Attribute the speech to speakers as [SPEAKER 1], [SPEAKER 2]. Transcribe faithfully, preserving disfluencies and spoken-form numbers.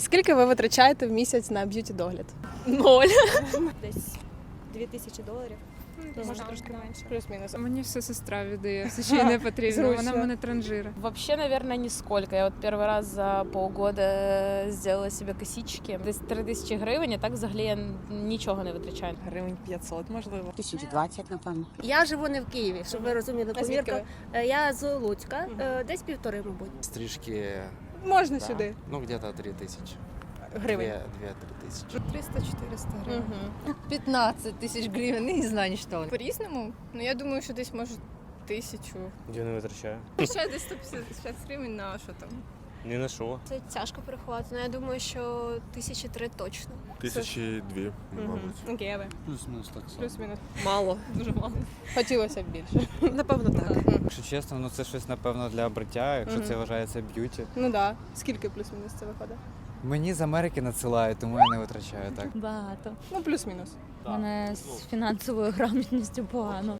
[SPEAKER 1] Скільки ви витрачаєте в місяць на б'юті-догляд?
[SPEAKER 2] Ноль.
[SPEAKER 3] Десь дві тисячі доларів. Може трошки менше.
[SPEAKER 1] Плюс-мінус.
[SPEAKER 4] Мені все сестра віддає, все ще й не потрібно, вона
[SPEAKER 1] Зручно.
[SPEAKER 4] в мене транжира.
[SPEAKER 2] Вообще, наверное, нисколько. Я вот первый раз за полгода сделала себе косички. Десь три тисячі гривень, а так взагалі я нічого не витрачаю.
[SPEAKER 5] Гривень п'ятсот, можливо.
[SPEAKER 6] Тисяч двадцять, напевно.
[SPEAKER 7] Я живу не в Києві, щоб ви розуміли.
[SPEAKER 1] А звідки
[SPEAKER 7] Повірка, е, я з Луцька, е, десь півтори, мабуть.
[SPEAKER 8] Стрижки,
[SPEAKER 1] Можна
[SPEAKER 8] да.
[SPEAKER 1] сюди.
[SPEAKER 8] Ну, где-то три тысячи.
[SPEAKER 1] Гривень.
[SPEAKER 8] Две-три тысячи.
[SPEAKER 4] триста-чотириста гривень.
[SPEAKER 1] Угу.
[SPEAKER 9] пятнадцать тысяч гривен, не знаю, что.
[SPEAKER 4] По-різному? Ну я думаю, що десь може тисячу.
[SPEAKER 10] Я не витрачаю.
[SPEAKER 4] Ще десь сто п'ятдесят гривень на що там.
[SPEAKER 10] Ні на що.
[SPEAKER 3] Це тяжко порахувати, але я думаю, що тисячі три точно.
[SPEAKER 11] Тисячі дві, мабуть.
[SPEAKER 1] Окей, а ви?
[SPEAKER 6] Плюс-мінус так само.
[SPEAKER 1] Плюс-мінус.
[SPEAKER 5] Мало.
[SPEAKER 4] Дуже мало.
[SPEAKER 1] Хотілося б більше.
[SPEAKER 5] Напевно, так.
[SPEAKER 12] Якщо чесно, ну це щось напевно для бриття, якщо
[SPEAKER 1] Мгм.
[SPEAKER 12] це вважається б'юті.
[SPEAKER 1] Ну так. Да. Скільки плюс-мінус це виходить?
[SPEAKER 12] Мені з Америки надсилають, тому я не витрачаю так.
[SPEAKER 9] Багато.
[SPEAKER 1] Ну, плюс-мінус.
[SPEAKER 9] У мене з фінансовою грамотністю погано.